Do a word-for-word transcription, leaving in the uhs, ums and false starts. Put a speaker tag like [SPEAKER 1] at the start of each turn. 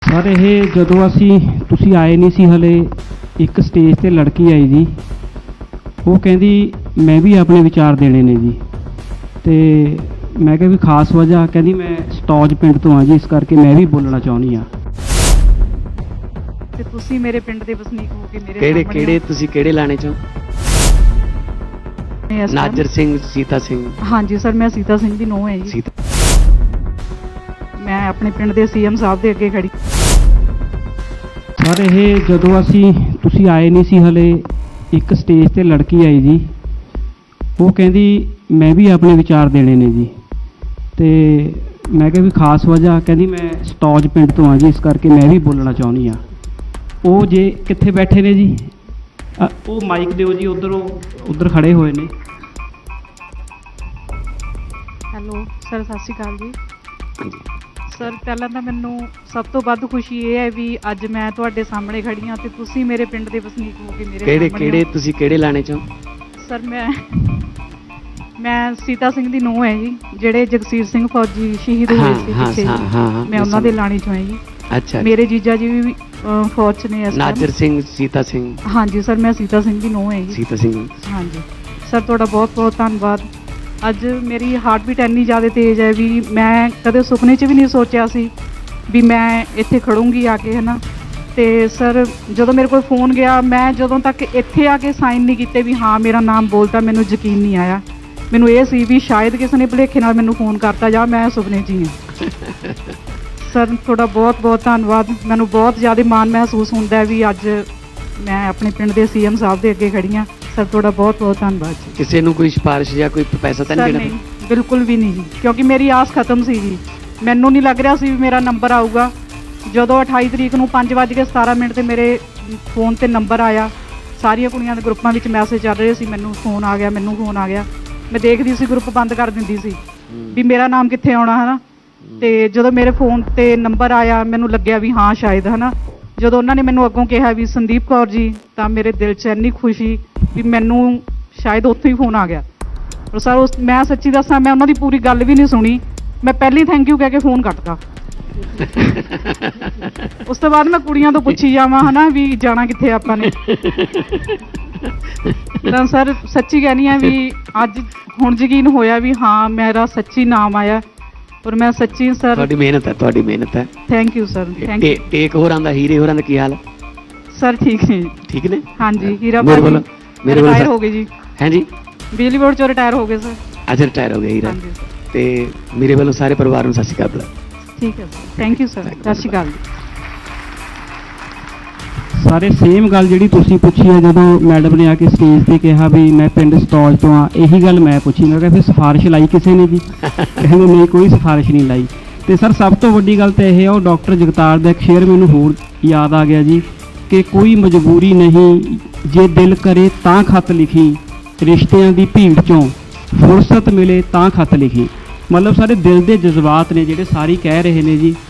[SPEAKER 1] Sir ये जदों असी तुसी आए नहीं सी हले एक स्टेज ते लड़की आई जी, वो कहती मैं भी अपने विचार देने ने जी। तो मैं कहा भी खास वजह, कहती मैं सटौज पिंड तो हाँ जी, इस करके मैं भी बोलना चाहनी हाँ।
[SPEAKER 2] ਤੇ ਤੁਸੀਂ ਮੇਰੇ ਪਿੰਡ ਦੇ ਵਸਨੀਕ ਹੋ ਕੇ ਮੇਰੇ
[SPEAKER 3] ਕਿਹੜੇ ਕਿਹੜੇ ਤੁਸੀਂ ਕਿਹੜੇ ਲਾਣੇ ਚੋਂ?
[SPEAKER 2] ਇਸ
[SPEAKER 3] ਨਾਜਰ ਸਿੰਘ, ਸੀਤਾ ਸਿੰਘ।
[SPEAKER 2] ਹਾਂਜੀ ਸਰ, ਮੈਂ ਸੀਤਾ ਸਿੰਘ ਦੀ ਨੂੰਹ ਹੈ ਜੀ।
[SPEAKER 3] ਸੀਤਾ
[SPEAKER 2] ਮੈਂ ਆਪਣੇ ਪਿੰਡ ਦੇ ਸੀਐਮ ਸਾਹਿਬ ਦੇ ਅੱਗੇ ਖੜੀ।
[SPEAKER 1] सर ये जदों असी तुसी आए नहीं सी हले एक स्टेज ते लड़की आई जी, वो कहती मैं भी अपने विचार देने ने जी। तो मैं कहा भी खास वजह, कहती मैं सटौज पिंड तो हाँ जी, इस करके मैं भी बोलना चाहनी हाँ। वो जे कित्थे बैठे ने जी, वो माइक दिओ जी, उधर उधर खड़े हुए ने।
[SPEAKER 2] ਹੈਲੋ ਸਰ, ਸਤਿ ਸ਼੍ਰੀ ਅਕਾਲ ਜੀ। ਸਰ ਪਹਿਲਾਂ ਤਾਂ ਮੈਨੂੰ ਸਭ ਤੋਂ ਵੱਧ ਖੁਸ਼ੀ ਇਹ ਹੈ ਵੀ ਅੱਜ ਮੈਂ ਤੁਹਾਡੇ ਸਾਹਮਣੇ ਖੜੀ ਹਾਂ ਤੇ ਤੁਸੀਂ ਮੇਰੇ ਪਿੰਡ ਦੇ ਵਸਨੀਕ ਹੋ ਕੇ ਮੇਰੇ
[SPEAKER 3] ਕਿਹੜੇ
[SPEAKER 2] ਸਾਹਮਣੇ
[SPEAKER 3] ਕਿਹੜੇ
[SPEAKER 2] ਹੋ।
[SPEAKER 3] ਤੁਸੀਂ ਕਿਹੜੇ ਲਾਣੇ ਚੋਂ?
[SPEAKER 2] ਸਰ ਮੈਂ ਮੈਂ ਸੀਤਾ ਸਿੰਘ ਦੀ ਨੂੰਹ ਹੈ ਜੀ, ਜਿਹੜੇ ਜਗਸੀਰ ਸਿੰਘ ਫੌਜੀ ਸ਼ਹੀਦ ਹੋਏ ਸੀ
[SPEAKER 3] ਹਾਂ
[SPEAKER 2] ਪਿੱਛੇ
[SPEAKER 3] ਹਾਂ
[SPEAKER 2] ਜੀ।
[SPEAKER 3] ਹਾਂ ਹਾਂ
[SPEAKER 2] ਮੈਂ ਉਹਨਾਂ ਦੇ ਲਾਣੀ ਚੋਂ ਹਾਂ ਜੀ।
[SPEAKER 3] ਅੱਛਾ,
[SPEAKER 2] ਮੇਰੇ ਜੀਜਾ ਜੀ ਵੀ ਅਹ, ਫੌਜ 'ਚ ਨੇ ਇਸ time।
[SPEAKER 3] ਨਾਜਰ ਸਿੰਘ, ਸੀਤਾ ਸਿੰਘ।
[SPEAKER 2] ਹਾਂਜੀ ਸਰ, ਮੈਂ ਸੀਤਾ ਸਿੰਘ ਦੀ ਨੂੰਹ ਹੈ ਜੀ।
[SPEAKER 3] ਸੀਤਾ ਸਿੰਘ।
[SPEAKER 2] ਹਾਂਜੀ ਸਰ, ਤੁਹਾਡਾ ਬਹੁਤ ਬਹੁਤ ਧੰਨਵਾਦ। ਅੱਜ ਮੇਰੀ ਹਾਰਟ ਬੀਟ ਇੰਨੀ ਜ਼ਿਆਦਾ ਤੇਜ਼ ਹੈ ਵੀ ਮੈਂ ਕਦੇ ਸੁਪਨੇ 'ਚ ਵੀ ਨਹੀਂ ਸੋਚਿਆ ਸੀ ਵੀ ਮੈਂ ਇੱਥੇ ਖੜੂੰਗੀ ਆ ਕੇ, ਹੈ ਨਾ। ਅਤੇ ਸਰ ਜਦੋਂ ਮੇਰੇ ਕੋਲ ਫੋਨ ਗਿਆ, ਮੈਂ ਜਦੋਂ ਤੱਕ ਇੱਥੇ ਆ ਕੇ ਸਾਈਨ ਨਹੀਂ ਕੀਤੇ ਵੀ ਹਾਂ ਮੇਰਾ ਨਾਮ ਬੋਲਤਾ, ਮੈਨੂੰ ਯਕੀਨ ਨਹੀਂ ਆਇਆ। ਮੈਨੂੰ ਇਹ ਸੀ ਵੀ ਸ਼ਾਇਦ ਕਿਸੇ ਨੇ ਭੁਲੇਖੇ ਨਾਲ ਮੈਨੂੰ ਫੋਨ ਕਰਤਾ ਜਾਂ ਮੈਂ ਸੁਪਨੇ 'ਚ ਹੀ ਹਾਂ। ਸਰ ਤੁਹਾਡਾ ਬਹੁਤ ਬਹੁਤ ਧੰਨਵਾਦ। ਮੈਨੂੰ ਬਹੁਤ ਜ਼ਿਆਦਾ ਮਾਣ ਮਹਿਸੂਸ ਹੁੰਦਾ ਵੀ ਅੱਜ ਮੈਂ ਆਪਣੇ ਪਿੰਡ ਦੇ ਸੀਐਮ ਸਾਹਿਬ ਦੇ ਅੱਗੇ ਖੜੀ ਹਾਂ। ਸਰ ਤੁਹਾਡਾ ਬਹੁਤ ਬਹੁਤ ਧੰਨਵਾਦ ਜੀ।
[SPEAKER 3] ਕਿਸੇ ਨੂੰ ਕੋਈ ਸਿਫਾਰਿਸ਼ ਜਾਂ ਕੋਈ ਪੈਸਾ ਤਾਂ
[SPEAKER 2] ਸਰ
[SPEAKER 3] ਨਹੀਂ
[SPEAKER 2] ਨਹੀਂ,
[SPEAKER 3] ਦੇਣਾ?
[SPEAKER 2] ਬਿਲਕੁਲ ਵੀ ਨਹੀਂ ਜੀ, ਕਿਉਂਕਿ ਮੇਰੀ ਆਸ ਖਤਮ ਸੀ ਜੀ। ਮੈਨੂੰ ਨਹੀਂ ਲੱਗ ਰਿਹਾ ਸੀ ਵੀ ਮੇਰਾ ਨੰਬਰ ਆਊਗਾ। ਜਦੋਂ ਅਠਾਈ ਤਰੀਕ ਨੂੰ ਪੰਜ ਵੱਜ ਕੇ ਸਤਾਰਾਂ ਮਿੰਟ 'ਤੇ ਮੇਰੇ ਫੋਨ 'ਤੇ ਨੰਬਰ ਆਇਆ, ਸਾਰੀਆਂ ਕੁੜੀਆਂ ਦੇ ਗਰੁੱਪਾਂ ਵਿੱਚ ਮੈਸੇਜ ਚੱਲ ਰਹੇ ਸੀ, ਮੈਨੂੰ ਫੋਨ ਆ ਗਿਆ, ਮੈਨੂੰ ਫੋਨ ਆ ਗਿਆ। ਮੈਂ ਦੇਖਦੀ ਸੀ, ਗਰੁੱਪ ਬੰਦ ਕਰ ਦਿੰਦੀ ਸੀ ਵੀ ਮੇਰਾ ਨਾਮ ਕਿੱਥੇ ਆਉਣਾ, ਹੈ ਨਾ। ਅਤੇ ਜਦੋਂ ਮੇਰੇ ਫੋਨ 'ਤੇ ਨੰਬਰ ਆਇਆ, ਮੈਨੂੰ ਲੱਗਿਆ ਵੀ ਹਾਂ ਸ਼ਾਇਦ, ਹੈ ਨਾ। ਜਦੋਂ ਉਹਨਾਂ ਨੇ ਮੈਨੂੰ ਅੱਗੋਂ ਕਿਹਾ ਵੀ ਸੰਦੀਪ ਕੌਰ ਜੀ, ਤਾਂ ਮੇਰੇ ਦਿਲ 'ਚ ਇੰਨੀ ਖੁਸ਼ੀ ਵੀ ਮੈਨੂੰ ਸ਼ਾਇਦ ਉੱਥੋਂ ਹੀ ਫੋਨ ਆ ਗਿਆ। ਪਰ ਸਰ ਉਸ ਮੈਂ ਸੱਚੀ ਦੱਸਾਂ, ਮੈਂ ਉਹਨਾਂ ਦੀ ਪੂਰੀ ਗੱਲ ਵੀ ਨਹੀਂ ਸੁਣੀ। ਮੈਂ ਪਹਿਲੀ ਥੈਂਕ ਯੂ ਕਹਿ ਕੇ ਫੋਨ ਕੱਟਤਾ। ਉਸ ਤੋਂ ਬਾਅਦ ਮੈਂ ਕੁੜੀਆਂ ਤੋਂ ਪੁੱਛੀ ਜਾਵਾਂ, ਹੈ ਨਾ, ਵੀ ਜਾਣਾ ਕਿੱਥੇ ਆਪਾਂ ਨੇ। ਤਾਂ ਸਰ ਸੱਚੀ ਕਹਿਣੀ ਹੈ ਵੀ ਅੱਜ ਹੁਣ ਯਕੀਨ ਹੋਇਆ ਵੀ ਹਾਂ ਮੇਰਾ ਸੱਚੀ ਨਾਮ ਆਇਆ। ਔਰ ਮੈਂ ਸੱਚੀ ਸਰ,
[SPEAKER 3] ਤੁਹਾਡੀ ਮਿਹਨਤ ਹੈ, ਤੁਹਾਡੀ ਮਿਹਨਤ ਹੈ।
[SPEAKER 2] Thank you sir, thank you.
[SPEAKER 3] ਟੇ- ਟੇਕ ਹੋਰਾਂ ਦਾ, ਹੀਰੇ ਹੋਰਾਂ ਦਾ ਕੀ ਹਾਲ ਹੈ?
[SPEAKER 2] ਸਰ ਠੀਕ ਨੇ ਜੀ।
[SPEAKER 3] ਠੀਕ ਨੇ?
[SPEAKER 2] ਹਾਂਜੀ, ਹੀਰਾ
[SPEAKER 3] ਮੇਰੇ
[SPEAKER 2] ਭਾਜੀ
[SPEAKER 3] ਵੱਲੋਂ ਮੇਰੇ ਵੱਲੋਂ
[SPEAKER 2] ਰਿਟਾਇਰ ਹੋ ਗਏ ਜੀ,
[SPEAKER 3] ਹੈ ਜੀ।
[SPEAKER 2] ਬਿਜਲੀ ਬੋਰਡ ਚੋਂ ਰਿਟਾਇਰ ਹੋ ਗਏ ਸਰ।
[SPEAKER 3] ਅੱਜ ਰਿਟਾਇਰ ਹੋ ਗਏ ਹੀਰਾ।
[SPEAKER 2] ਹਾਂਜੀ ਸਰ,
[SPEAKER 3] ਤੇ ਮੇਰੇ ਵੱਲੋਂ ਸਾਰੇ ਪਰਿਵਾਰ ਨੂੰ ਸਤਿ ਸ਼੍ਰੀ ਅਕਾਲ ਬੁਲਾ।
[SPEAKER 2] ਠੀਕ ਹੈ ਸਰ, ਥੈਂਕ ਯੂ ਸਰ, ਸਤਿ ਸ਼੍ਰੀ ਅਕਾਲ ਜੀ।
[SPEAKER 1] सारे सेम गल जी तुसी पूछी है, जदों मैडम ने आके स्टेज पे कहा भी मैं पिंड सटौज तो हाँ, यही गल मैं पूछी। मैं कहा फिर सिफारिश लाई किसी ने जी? कहते नहीं, कोई सिफारिश नहीं लाई। तो सर सब तो वड्डी गल तो यह है, वो डॉक्टर जगतार का एक शेर मैनूं होर याद आ गया जी कि कोई मजबूरी नहीं जे दिल करे तां खत लिखी, रिश्तियां दी भीड़ चों फुरसत मिले तां खत लिखी। मतलब सारे दिल के जज्बात ने जिहड़े सारी कह रहे ने जी,